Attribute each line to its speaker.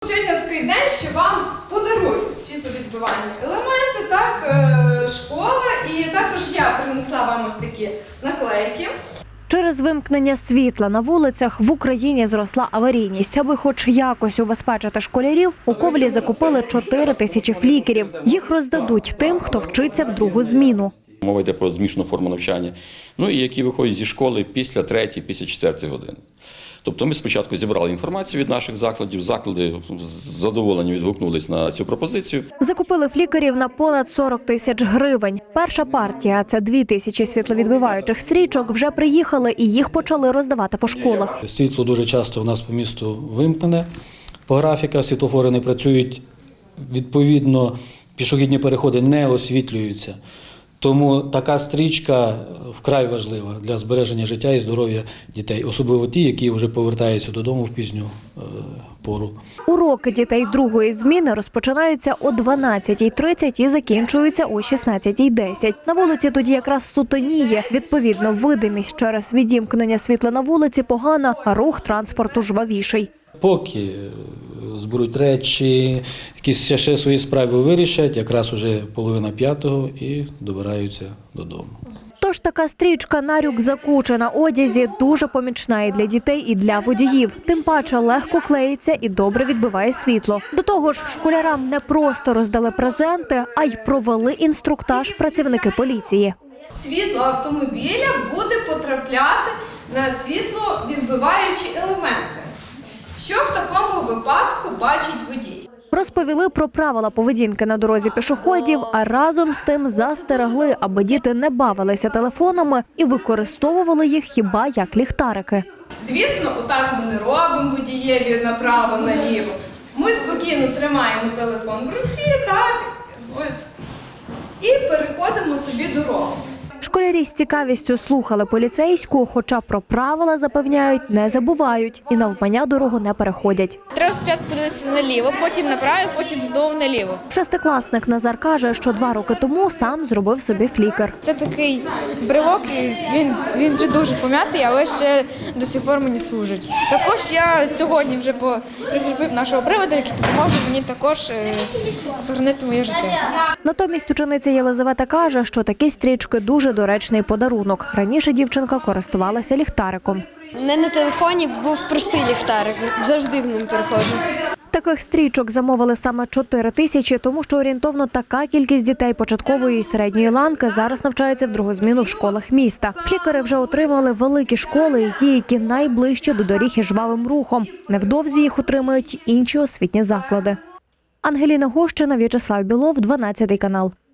Speaker 1: сьогодні такий день, що вам подарують світловідбивальні елементи, так, школа, і також я принесла вам ось такі наклейки.
Speaker 2: Через вимкнення світла на вулицях в Україні зросла аварійність. Аби хоч якось убезпечити школярів, у Ковелі закупили 4 тисячі флікерів. Їх роздадуть тим, хто вчиться в другу зміну.
Speaker 3: Мова йде про змішану форму навчання, і які виходять зі школи після 3-ї, після 4-ї години. Тобто ми спочатку зібрали інформацію від наших закладів, заклади з задоволенням відгукнулись на цю пропозицію.
Speaker 2: Закупили флікерів на понад 40 тисяч гривень. Перша партія – це 2 тисячі світловідбиваючих стрічок – вже приїхали і їх почали роздавати по школах.
Speaker 4: Світло дуже часто у нас по місту вимкнене по графіках, світлофори не працюють, відповідно пішохідні переходи не освітлюються. Тому така стрічка вкрай важлива для збереження життя і здоров'я дітей, особливо ті, які вже повертаються додому в пізню пору.
Speaker 2: Уроки дітей другої зміни розпочинаються о 12:30 і закінчуються о 16:10. На вулиці тоді якраз сутеніє. Відповідно, видимість через відімкнення світла на вулиці погана, а рух транспорту жвавіший.
Speaker 4: Поки зберуть речі, якісь ще свої справи вирішать, якраз уже 4:30 і добираються додому.
Speaker 2: Тож така стрічка на рюкзаку чи на одязі дуже помічна і для дітей, і для водіїв. Тим паче легко клеїться і добре відбиває світло. До того ж, школярам не просто роздали презенти, а й провели інструктаж працівники поліції.
Speaker 1: Світло автомобіля буде потрапляти на світловідбиваючі елементи. Що в такому випадку бачить водій?
Speaker 2: Розповіли про правила поведінки на дорозі пішоходів, а разом з тим застерегли, аби діти не бавилися телефонами і використовували їх хіба як ліхтарики.
Speaker 1: Звісно, отак ми не робимо водієві направо-наліво. Ми спокійно тримаємо телефон в руці, так, ось, і переходимо собі дорогу.
Speaker 2: Школярі з цікавістю слухали поліцейську, хоча про правила, запевняють, не забувають і навмання дорогу не переходять.
Speaker 5: Треба спочатку подивитися наліво, потім направо, потім знову наліво.
Speaker 2: Шестикласник Назар каже, що 2 роки тому сам зробив собі флікер.
Speaker 5: Це такий бривок, і він вже дуже пом'ятий, але ще до сих пор мені служить. Також я сьогодні вже прикріпив нашого приводу, який допоможе мені також зберегти моє життя.
Speaker 2: Натомість учениця Єлизавета каже, що такі стрічки дуже доречний подарунок. Раніше дівчинка користувалася ліхтариком.
Speaker 6: Не на телефоні був простий ліхтарик, завжди в ним переходжу.
Speaker 2: Таких стрічок замовили саме 4 тисячі, тому що орієнтовно така кількість дітей початкової і середньої ланки зараз навчаються в другу зміну в школах міста. Флікери вже отримали великі школи і ті, які найближче до доріг і жвавим рухом. Невдовзі їх отримають інші освітні заклади. Ангеліна Гощина, В'ячеслав Білов, 12 канал.